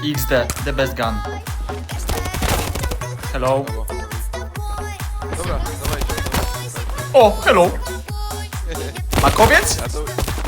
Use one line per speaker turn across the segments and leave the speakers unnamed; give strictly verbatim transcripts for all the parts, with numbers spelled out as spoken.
X D, the best gun. Hello.
Dobra, dawajcie.
O, hello. Makowiec?
Ja to...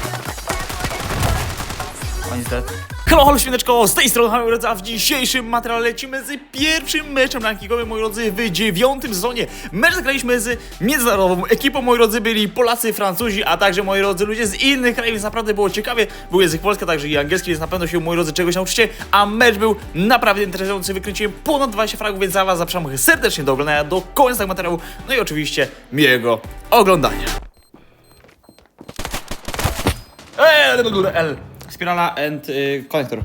On is dead. Hello, halo świneczko, z tej strony Hamil Redza, a w dzisiejszym materiale lecimy z pierwszym meczem rankingowym, moi drodzy, w dziewiątym sezonie. Mecz zagraliśmy z międzynarodową ekipą, moi drodzy, byli Polacy, Francuzi, a także, moi drodzy, ludzie z innych krajów, więc naprawdę było ciekawie. Był język polski, a także i angielski, więc na pewno się, moi drodzy, czegoś nauczycie, a mecz był naprawdę interesujący, wykręciłem ponad dwadzieścia fragów, więc za was zapraszam serdecznie do oglądania do końca tego materiału, no i oczywiście miłego oglądania. Eee, L. Spirala and y, konektor.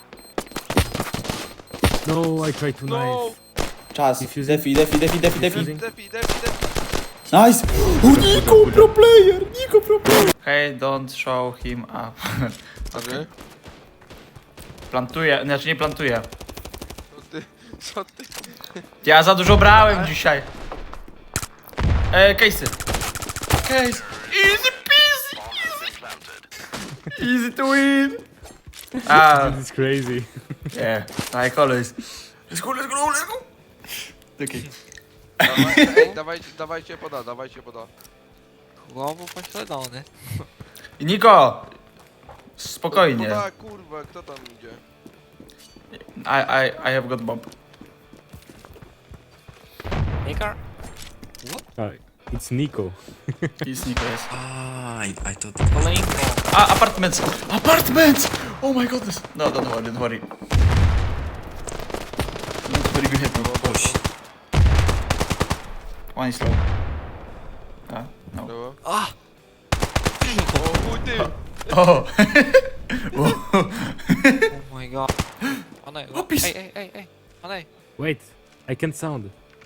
No, I tried to
No!
knife.
Czas.
Diffusing.
Defi, defi, defi, defi, defi.
Diffusing.
Defi, defi, defi.
Nice! O, Niko, pro player! Niko, pro player! Hey, don't show him up.
Okay.
Plantuję, znaczy nie plantuję.
Co ty? Co ty?
Ja za dużo brałem dzisiaj. E, case'y. Case. Easy peasy, easy. Easy to win. Ah,
This is crazy.
yeah, like always. Let's go, let's go, let's go. Okay.
Dawaj, ej, dawajcie, dawajcie poda, dawajcie poda.
Głowu pośledzony.
Niko! Spokojnie.
Poda, kurwa, kto tam idzie?
I, I, I have got bomb.
Nikar?
Uh, it's Nico.
He's Niko, yes.
Ah, I, I thought
Kolejko.
Ah, apartments! Apartments! Oh my goodness! No, don't worry, don't worry. Not very good hit.
push.
One is low. Ah, no.
Dobra.
A!
O, chuj ty!
Oh!
Oh my god. Onej,
Opis.
ej, ej, ej, ej. Onej.
Wait, I can sound.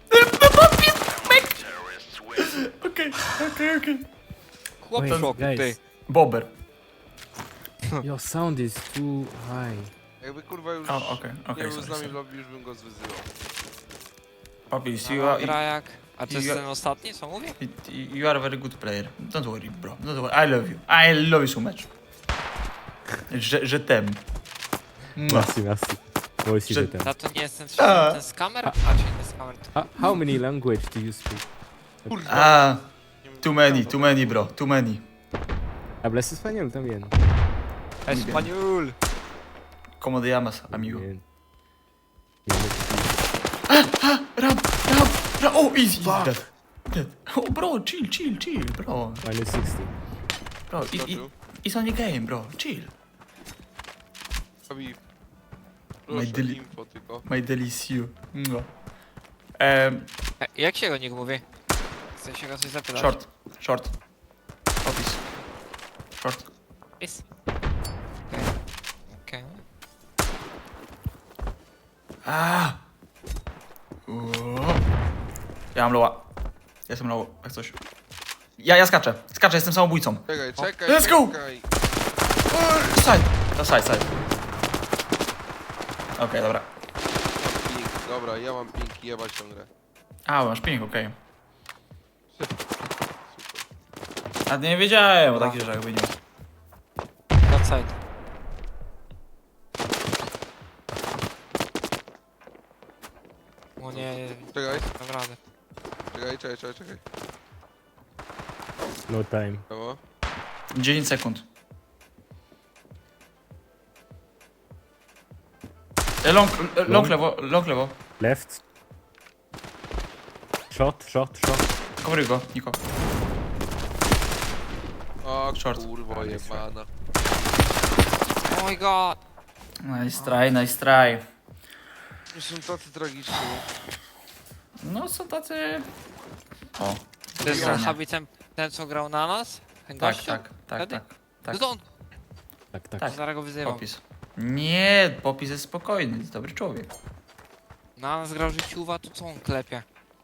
Okay, okay, okay.
Chłop
Wait,
w szoku, ty.
guys,
Bobber.
your sound is too high.
Jakby kurwa już
Oh, okay,
nie
okay,
był
sorry,
z nami w
sorry.
lobby, już bym go zwyzywał.
Puppies, you
No,
are,
gra jak... A to jest
you-
ten ostatni, co mówię?
you, you are a very good player. Don't worry, bro. Don't worry. I love you. I love you so much. Je, je t'aime. Mwah.
Merci, merci. Moi aussi,
Je-
je t'aime.
Ta to nie jest ten,
A.
ten z kamer? A, czy nie z kamer?
How, how many language do you speak?
Kurwa.
Ah,
nie wiem,
too many,
co
too many, bro. Too many.
Hablas español también.
Español!
¿Cómo te llamas, amigo?
Bien.
Ram, ram, ram. Oh, easy. Dead. Dead. Oh, bro, chill, chill, chill, bro.
Minus sixty.
Bro, it, it,
Skoczył.
it's only game, bro. Chill.
Robi...
My
Proszę,
deli-
info tylko.
My delicious. No. Um,
E, jak się go nikt mówi? Chcę się go coś zapytać.
short, short. Office. Short.
Jest. Okej. Okej.
Ah. Uuu. Ja mam loła. Jestem low, jak coś. Ja, ja skaczę. Skaczę, jestem samobójcą.
Czekaj, czekaj,
Let's go!
czekaj.
Side. To side, side. Okej, okay, dobra.
Pink, dobra, ja mam pink i jebać tę grę.
A, masz ping, okej. A nie wiedziałem o takich rzeczach, jakby nie.
Outside. O nie, nie,
Czekaj,
naprawdę.
czekaj, czekaj, czekaj, czekaj.
No time.
Dobra.
dziesięć sekund. E, Long, e, long
Long?
lewo, long lewo.
Left. Shot, shot, shot.
Coveruj go, Niko.
O
Short.
kurwa
A, nice
jebana.
Oh my god!
Nice try, nice try.
Już są tacy tragiczni.
No są tacy... O,
To jest
grania.
Habi ten, ten co grał na nas? Ten
tak,
gościu?
tak, tak,
Wtedy?
tak, tak.
No to on!
Tak, tak.
Tak.
Zaraz go wyzywam.
Popis. Nie, Popis jest spokojny, jest dobry człowiek.
Na nas grał życiuwa, to co on klepie?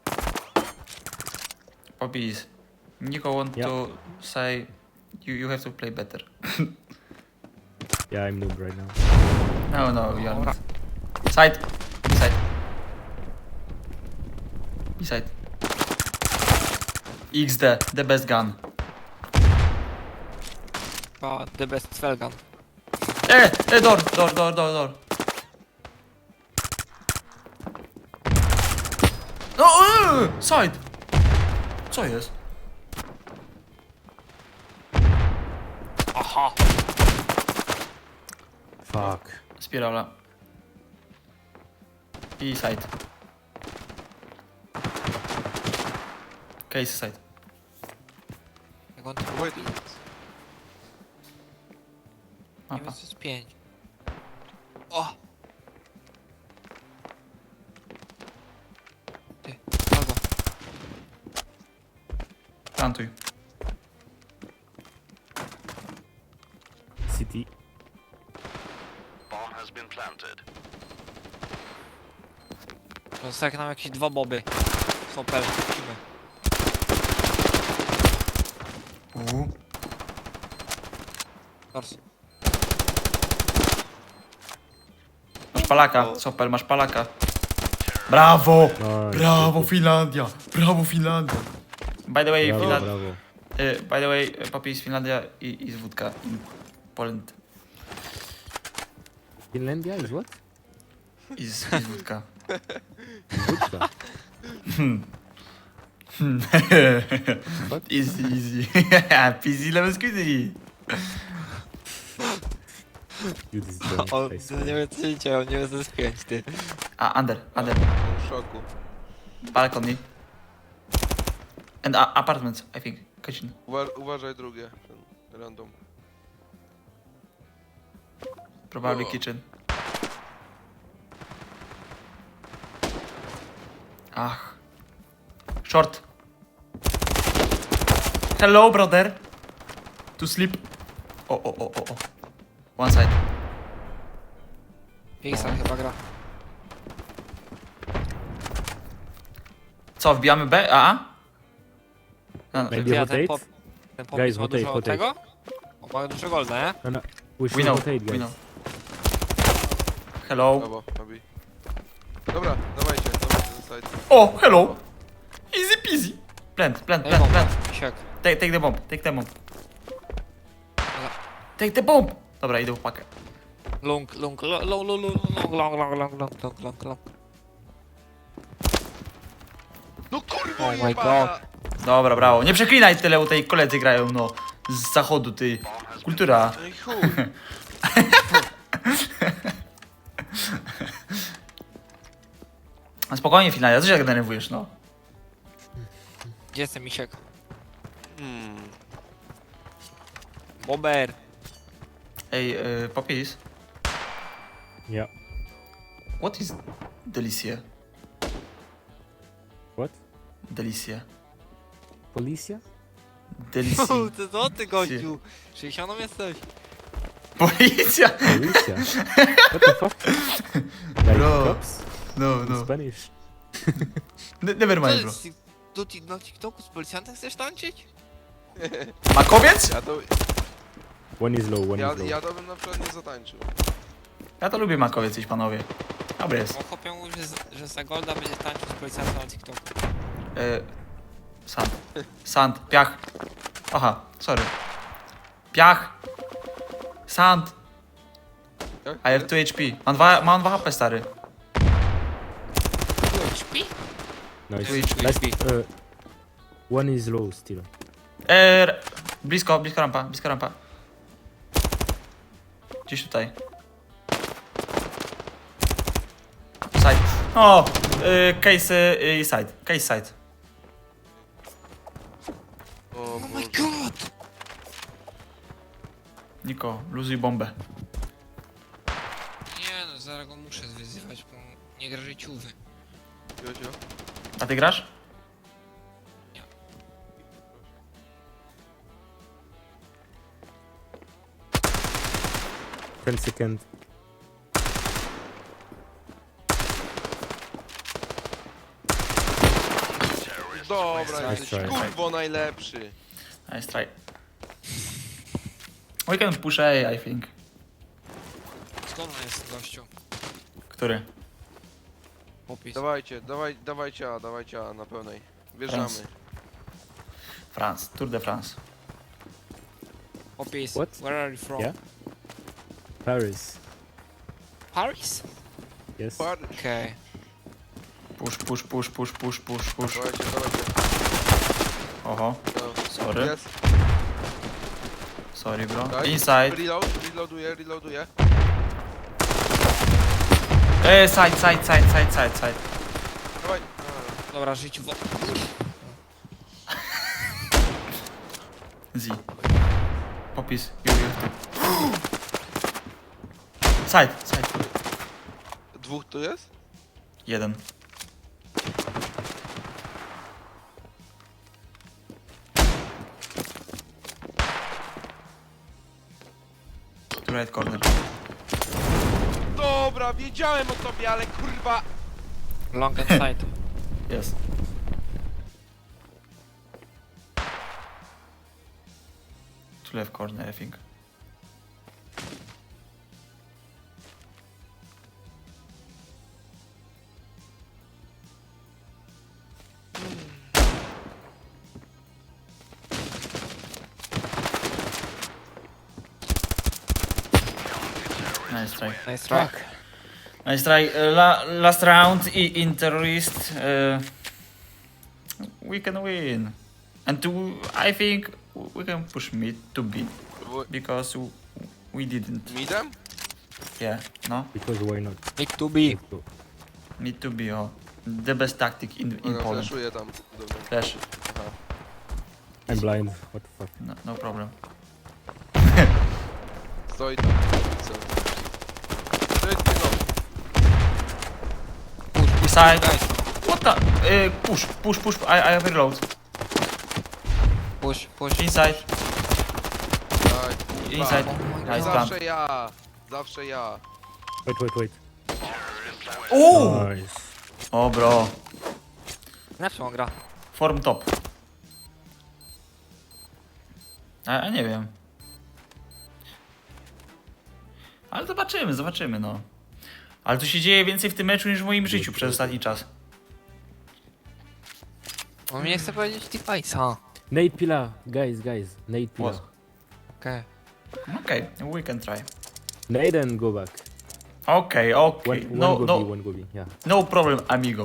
Popis. Niko want
Yeah.
to say you, you have to play better.
Yeah, I'm noob right now.
No, no, you are
Dobra.
not. Side. Side. B-side. X D, the best gun.
O, the best Felgan.
E, e, door, door, door, door, door. No, eee, side! Co jest?
Aha.
Fuck.
Spirala. I side. Case side.
Jak on to
Wait.
robi? Nie
Mapa.
wiem, co jest pięć. O! Ty, albo.
Plantuj.
City.
Zostały nam jakieś dwa boby. Super, lecimy.
Uuu.
Tors.
Masz palaka, Sopel, masz palaka. Brawo!
Nice.
Brawo Finlandia! Brawo Finlandia! By the way,
Brawo,
Finland...
brawo.
y, by the way, y, papi jest Finlandia i, i z wódka. in Poland
Finlandia is what?
i z, i z wódka.
Wódka. What?
Easy, easy. Peasy lemon squeezy.
You this don't
On
I
nie
swear.
wiem co się dzieje, on nie wie co jest pięć, ty.
A, under, under.
W szoku.
Balcony. And a, apartments, I think. Kitchen.
Uwa uważaj drugie. Ten random.
Probably
O.
kitchen. Ach. Short. Hello, brother. To sleep. O, o, o, o, o. One side.
Pixar chyba gra.
Co, wbijamy B? A? A? No, no.
Maybe
Ja,
rotate?
ten pop, ten pop
Guys,
ma
rotate,
dużo
rotate.
tego? O, ma dużo golda, nie?
No, no. We should
We know,
rotate,
we
guys.
know. Hello.
Brawo, Nabi. Dobra, dawajcie, dawajcie ten side.
O, hello. Easy peasy. Plant, plant,
Daj
plant,
bombę,
plant.
misiek.
Take, take the bomb, take the bomb. Take the bomb. Dobra, idę w pakę.
Lung, lung, lung, lung, lung, lung, lung, lung, lung, lung, lung, lung, lung, lung.
No kurwa,
Oh my
jebana!
Dobra, brawo. Nie przeklinaj tyle, u tej koledzy grają, no. Z zachodu, ty. Kultura.
No i chuj.
A spokojnie, Finlandia, co się tak denerwujesz, no?
Gdzie jest ten misiek?
Hmm.
Bober.
Ej, y, Popis,
Yeah.
what is Delicia?
What?
Delicia.
Policia?
Delicia.
Ty co ty gościu? sześćdziesiąt jesteś.
Policja!
Policia? What the fuck? Like
Bro.
cops?
No,
In
no.
Spanish?
Ne- Never
Co
mind, bro.
jest? Tu ti- na TikToku z policjantem chcesz tańczyć?
Makowiec?
Ja to,
One is low, one
ja,
is low.
ja to bym na przykład nie zatańczył.
Ja to lubię makowiec, iść panowie. Dobry jest.
Bo chłopią mówi, że, z- że za golda będzie tańczył z policjantem na TikToku.
Y, sand. Sand. Piach. Aha, sorry. Piach. Sand.
Jak?
I have two H P. Mam dwa, mam dwa H P, stary.
Śpi?
Nice.
Twitch,
Last,
Twitch.
uh, one is low still.
E, blisko, blisko rampa, blisko rampa. Gdzieś tutaj. Side. O! Y, case y, i side. Case side.
O
Oh my
Boże.
god!
Niko, luzuj bombę.
Nie no, zaraz go muszę wyzywać, bo nie gra życiówy.
Jodzio?
A ty grasz?
ten second.
Dobra,
Nice
jesteś
try.
kurwo najlepszy.
Nice try. We can push A, I think.
Skąd on jest gościu?
Który?
Popis.
Dawajcie, dawaj, dawajcie A, dawajcie A na pełnej. Wjeżdżamy.
Teraz. France. Tour de France.
Popis.
What?
Where are you from?
Yeah? Paris.
Paris?
Yes.
Par-
Okej.
Push, push, push, push, push, push, push.
Dawajcie, dawajcie.
Oho,
No.
sorry.
Jest.
Sorry bro.
Daj.
Inside.
Reload, reloaduję, reloaduję.
Eee, side, side, side, side, side, side.
Dawaj.
Dobra, żyć w...
Z. Popis. You, you. Side, side.
Dwóch tu jest?
Jeden. Tu right corner.
Dobra, wiedziałem o tobie, ale kurwa.
Long and side.
Jest. Tu left corner, I think. Nice try.
Nice try.
Nice try. Uh, la last round i in terrorist. Uh, we can win. And to, I think we can push mid to B
W-
because w- we didn't.
Midem?
Yeah, no?
Because why not?
Need to be.
Let's go.
Mid to B, oh. The best tactic in, in
Dobra,
Poland.
flashuję tam. Dobra.
Flash.
I'm blind. What the fuck?
No, no problem.
Stoi tam. Co? Ty, ty, no.
Push,
Side.
guys.
What the? Uh, push, push, push. I, I have reload.
Push, push.
Inside,
Daj, kurwa.
inside.
Oh my
Nice
God.
plant.
Zawsze ja. Zawsze ja.
Wait, wait, wait.
Oh!
Nice.
O bro.
Na czym on gra?
Form top. A, a nie wiem. Ale zobaczymy, zobaczymy no. Ale tu się dzieje więcej w tym meczu niż w moim życiu przez ostatni czas.
On mi nie chce powiedzieć device'a.
Nade pillar, guys, guys. Nade pillar.
What?
Okej.
Okej, okay, we can try.
Nade and go back.
Okej,
One,
okej.
one
No,
go
no,
B, one go B. Yeah,
no problem, amigo.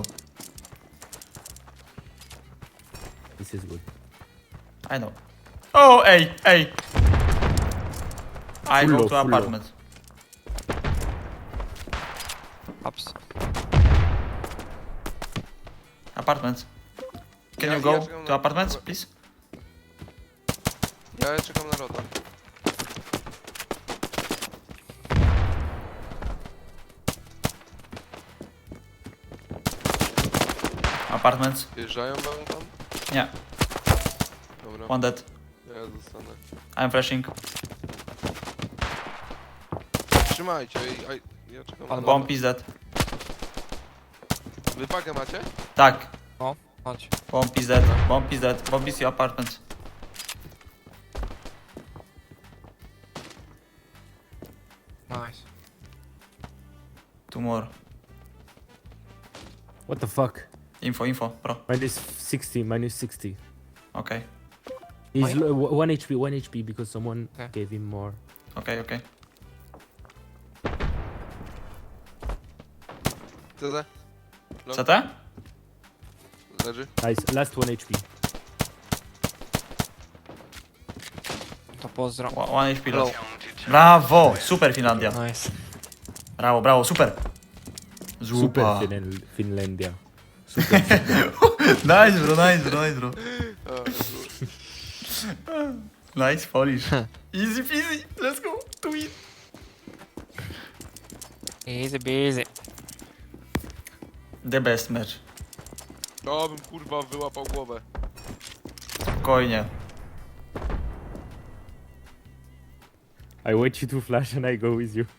this is good.
I know. Oh, ej, ej. I
Fullo,
go to
fullo.
apartment.
Ups.
Apartment. Can
Ja-
you go
ja czekam
to
na-
apartments, please?
Ja czekam na rota.
Apartments.
Wjeżdżają wam tam?
Nie,
Dobra,
one dead.
ja zostanę.
I'm flashing.
Trzymajcie, i- a- ja czekam na
Pan
rota.
Bomb is dead.
Wy pakę macie?
Tak.
O, chodź.
Bomb is dead. Bomb is dead. Bomb is your apartment.
Nice.
Two more.
What the fuck?
Info, info, bro.
Minus sixty, minus sixty.
Okay.
He's
Why?
low, w- one H P, one H P because someone
Okay.
gave him more.
Okay, okay.
C D?
C T?
Leży?
Nice, last one H P.
To pozdro.
One one H P low. Brawo! Super Finlandia.
Nice.
Brawo, brawo, super.
Super
Zupa.
Finel- Finlandia.
Nice bro, nice bro, nice bro.
A,
Nice Polish. Easy peasy. Let's go. To win.
Easy busy.
The best match.
o, bym kurwa wyłapał głowę.
Spokojnie.
I wait you to flash and I go with you.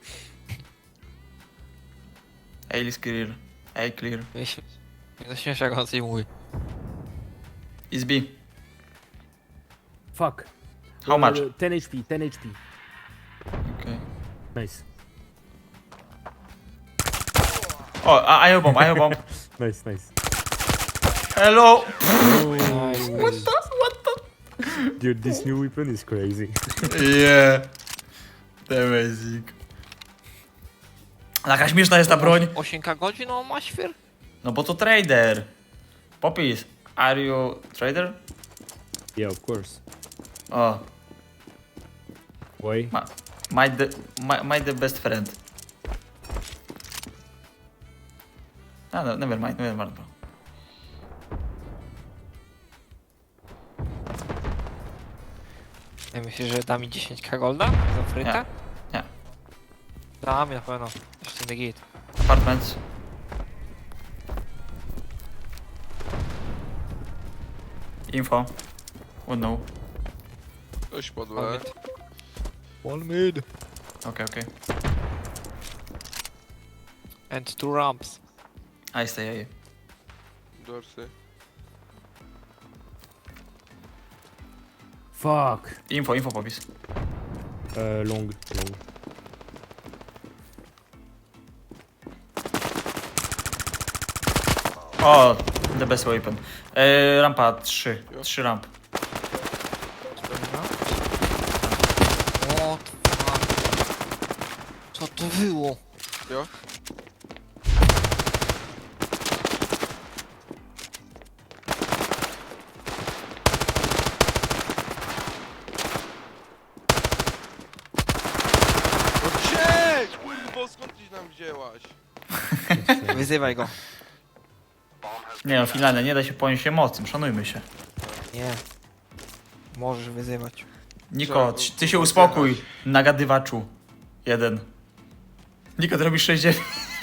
A is clear. A clear.
Nie zaśmiesz jak on coś mówi.
Is B.
Fuck.
How
Uh,
much?
ten H P, ten H P.
Okay.
Nice.
Oh, I I have bomb, I have bomb.
Nice, nice.
Hello.
Nice.
What the? What the?
Dude, this new weapon is crazy.
Yeah. Amazing. Taka śmieszna jest ta broń.
osiem godzin on ma świr?
No bo to trader. Popis, are you trader?
Yeah, of course.
O,
Why?
my, my, the, my, my the best friend. No, no, never mind, never mind, bro.
Ja myślę, że da mi dziesięć ka golda za frytę?
Nie.
Da mi na pewno. Jeszcze nie git.
Apartments. Info. Would know.
Ktoś
One
podłe.
mid. One mid.
Okay, okay.
And two ramps.
I stay A.
Dorsy.
Fuck.
Info, info, popis.
Uh, long, long.
O, the best weapon. E, rampa trzy.
Jo.
trzy ramp.
O, co to było?
Jo? No gdzie? Kurwo, skąd tyś nam wzięłaś?
Wyzywaj go.
Nie no, finalnie nie da się ponieść emocjom, szanujmy się.
Nie. Możesz wyzywać.
Niko,
Trzeba
ty się
było
uspokój,
zjechać.
nagadywaczu. Jeden. Niko, ty robisz sześć dziewięć.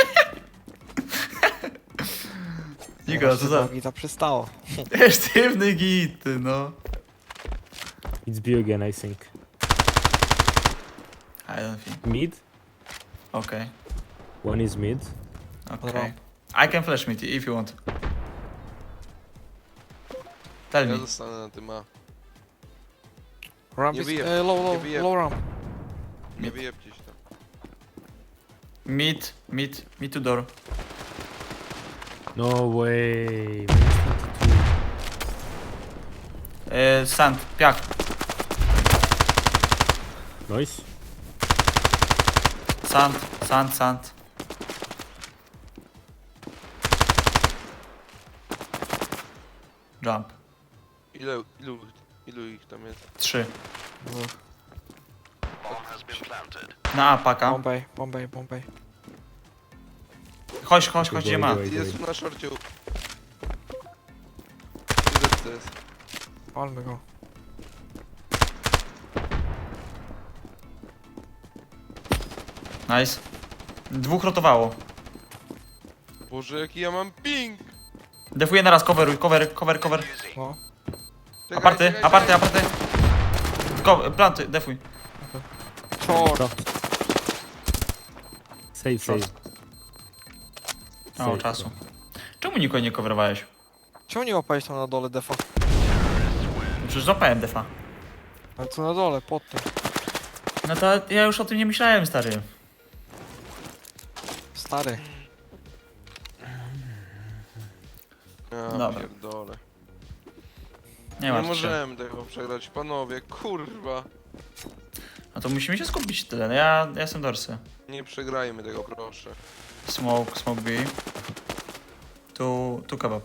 Niko, co za...
To przestało.
Sztywny git, ty, no.
It's B again, I think.
I don't think.
Mid.
Okay,
One is mid.
okay. I can flash me if you want. Tell
Ja
me.
zostanę na tym A.
Ramp
Nie
is,
wyjeb-
e, low,
nie
low,
wyjeb-
low ramp.
Nie wyjebcie się tam.
Mid, mid, mid to door.
No way. Minus twenty-two.
E, sand, piach.
Nice.
Sand, sand, sand. Jump.
Ile, ilu, ilu ich tam jest?
Trzy. Na A paka.
Bombay, Bombay, Bombay.
Chodź, chodź, chodź, gdzie ma.
Wait, wait,
Jest
wait.
tu na szorcie. Ile to jest?
Palmy go.
Nice. Dwóch rotowało.
Boże, jaki ja mam ping!
Defuję na raz, coveruj, cover, cover, cover.
No.
Czekaj,
Aparty,
czekaj,
aparty,
czekaj.
aparty. Ko planty, defuj.
Short.
Short. Save,
Short.
save.
O,
Save.
czasu. Czemu nikogo nie coverowałeś?
Czemu nie łapałeś tam na dole defa?
Przecież złapałem defa.
Ale co na dole, pod tym.
No to ja już o tym nie myślałem, stary.
Stary.
Ja
Dobra.
pierdolę.
Nie
Nie
ma.
możemy tego przegrać, panowie, kurwa.
No to musimy się skupić tyle. No ja, ja jestem dorsy.
Nie przegrajmy tego, proszę.
Smoke, smoke B. Tu, tu kebab.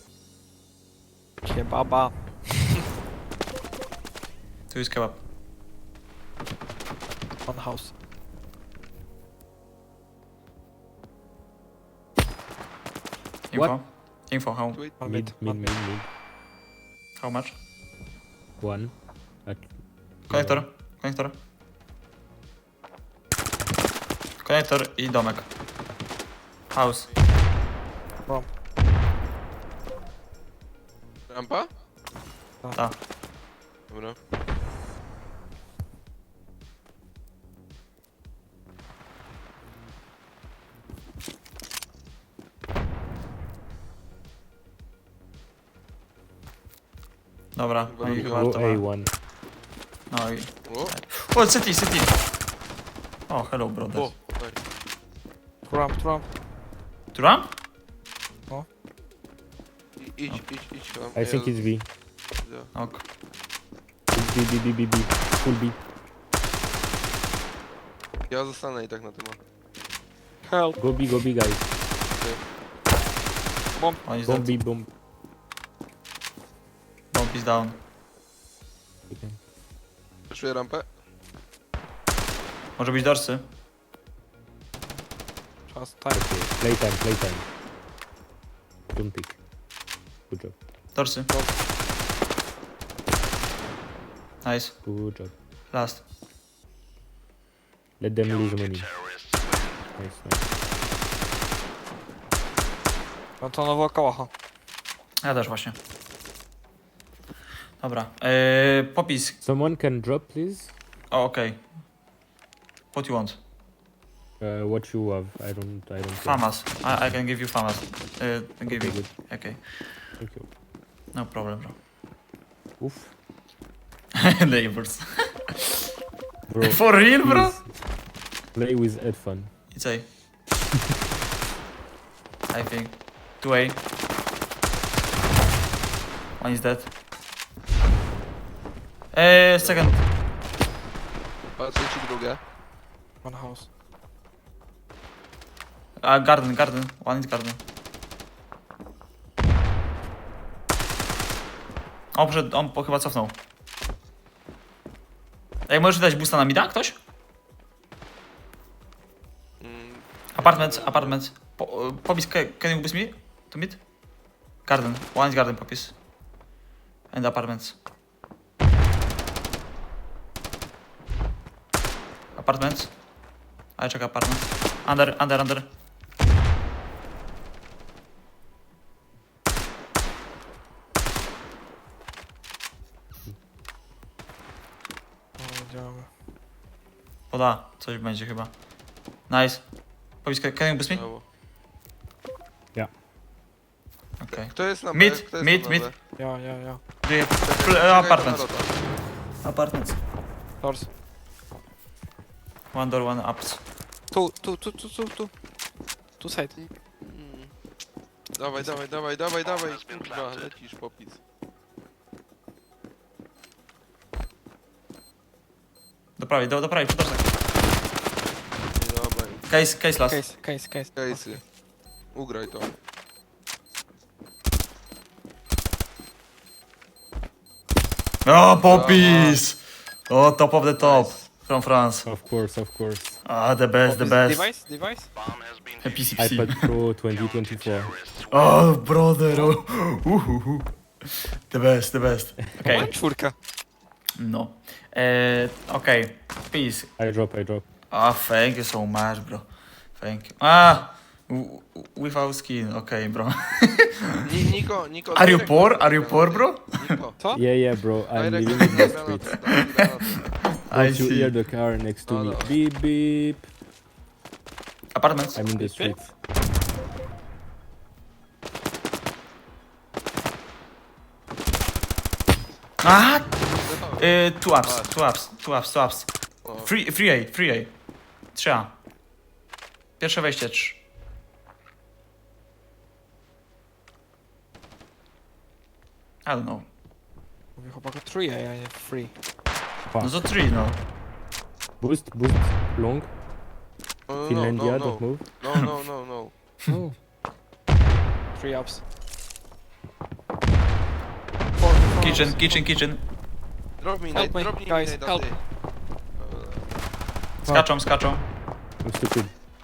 Kebaba.
Tu jest kebab.
One house.
Info. Info, how,
Wait,
One
Mid,
mid,
mid,
one
mid,
mid.
mid.
how much?
One. At
Konektor, konektor. Konektor i domek. House.
rampa?
Ta.
Dobra.
Dobra, no i chyba
Go
to
A
ma.
one.
No i...
O,
O, city, city! O, hello, brother.
o, daj.
Two ramp, two ramp.
Tu ramp?
I- Idź, idź, idź tam.
I think it's B.
Ja.
Ok.
It's B, B, B, B, B. Full B.
Ja zostanę i tak na tym.
Help.
Go B, go B, guys.
Bomb.
One is dead.
Bomb B, bomb.
Bomb is down.
Okay.
Przeszuję rampę.
Może być dorsy.
Czas, tak.
Okay. Playtime, playtime. Don't pick. Good job.
Dorsy. Nice.
Good job.
Last.
Let them lose money. Nice, nice.
No to nowo kałacha.
Ja też właśnie. Dobra. Eee, popis.
Someone can drop, please?
O, okej. What you want?
Uh, what you have? I don't, I don't care.
Famas. I, I can give you famas. Uh, give
Okay,
you.
good.
Okay.
Thank you.
No problem, bro.
Oof.
Neighbors.
Bro,
For real, bro?
please play with headphone.
It's A. I think. two A. One is dead. Eee, second.
Patrzę ci drugie.
One house.
Uh, garden, garden. One is garden. O, przed, on po, chyba cofnął. Ej, możesz dać boosta na mida, ktoś?
Mm,
Apartment, apartment. Po, popis, can, can you boost me? To mid? Garden. One is garden, popis. And apartments. Apartments. I check apartments. Under, under, under.
No, działamy.
Poda, coś będzie chyba. Nice. Popis, can can you boost me?
brawo.
Okej.
Kto jest na B?
Mid,
Kto jest
mid,
na
mid.
B?
Ja, ja, ja.
Okay.
Czekaj, czekaj,
Apartments.
na rota.
Apartments.
Doors.
One door, one ups.
Tu, tu, tu, tu, tu, tu. Tu side.
Mm. Dawaj, dawaj, dawaj, dawaj, dawaj. Kurwa, lecisz popis.
Do prawej, do, do prawej, przy dorsach.
Nie dawaj.
Case, case last.
Case, case, case.
Case'y. Ugraj to.
O, popis! O, top of the top. From France.
Of course, of course.
Ah, the best, the
Office
best.
Device, device.
P C P C.
iPad Pro twenty twenty-four.
Oh, brother. Oh. Uhuhu. The best, the best.
Okay.
Okay.
Czwórka.
No. Uh, okay. Peace.
I drop, I drop.
Ah, thank you so much, bro. Thank you. Ah, w- w- without skin. Okay, bro.
Ni Niko, Niko.
Are you
direkt
poor?
na
Are you poor, bro?
Niko.
Co?
Yeah, yeah, bro. I'm
Direkt
living in the
na
streets.
granat, dawaj
I
Don't you hear
see.
the car next to
No,
me?
no.
Beep, beep.
Apartments.
I'm in the
Beep, beep.
streets.
Ah,
granat.
uh, two ups, two ups, two ups, two ups.
O,
Free, free A, free A. trzy A. Pierwsze wejście, trzy. I don't know.
Mówię chłopaku three, a ja nie free.
No to trzy, no.
Boost, boost, long.
no, no,
Finlandia,
no,
don't move.
no, no, no, no.
Oh.
Three ups. Four, four
Kitchen,
ups.
kitchen, kitchen.
Drop me,
Help
nade,
me,
drop me,
guys,
nade,
help.
ty.
Skaczą, skaczą.
I'm stupid.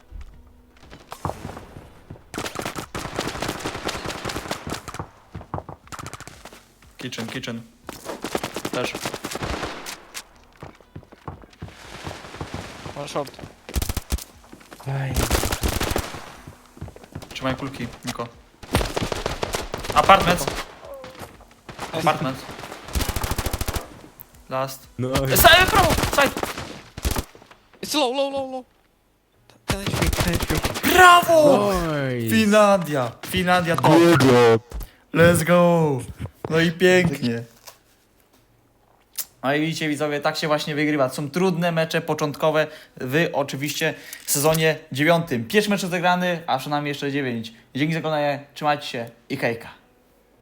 Kitchen, kitchen. Też.
One short.
Ay.
Trzymaj kulki, Niko. Apartment. Apartment. Last.
No.
Side, prawo, side.
It's low, low, low, low. ten H P, ten H P.
Brawo!
Nice.
Finlandia. Finlandia top.
Good job.
Let's go. No i pięknie. No i widzicie widzowie, tak się właśnie wygrywa. Są trudne mecze początkowe w oczywiście sezonie dziewiątym. Pierwszy mecz rozegrany, a przynajmniej jeszcze dziewięć. Dzięki za oglądanie, trzymajcie się i hejka.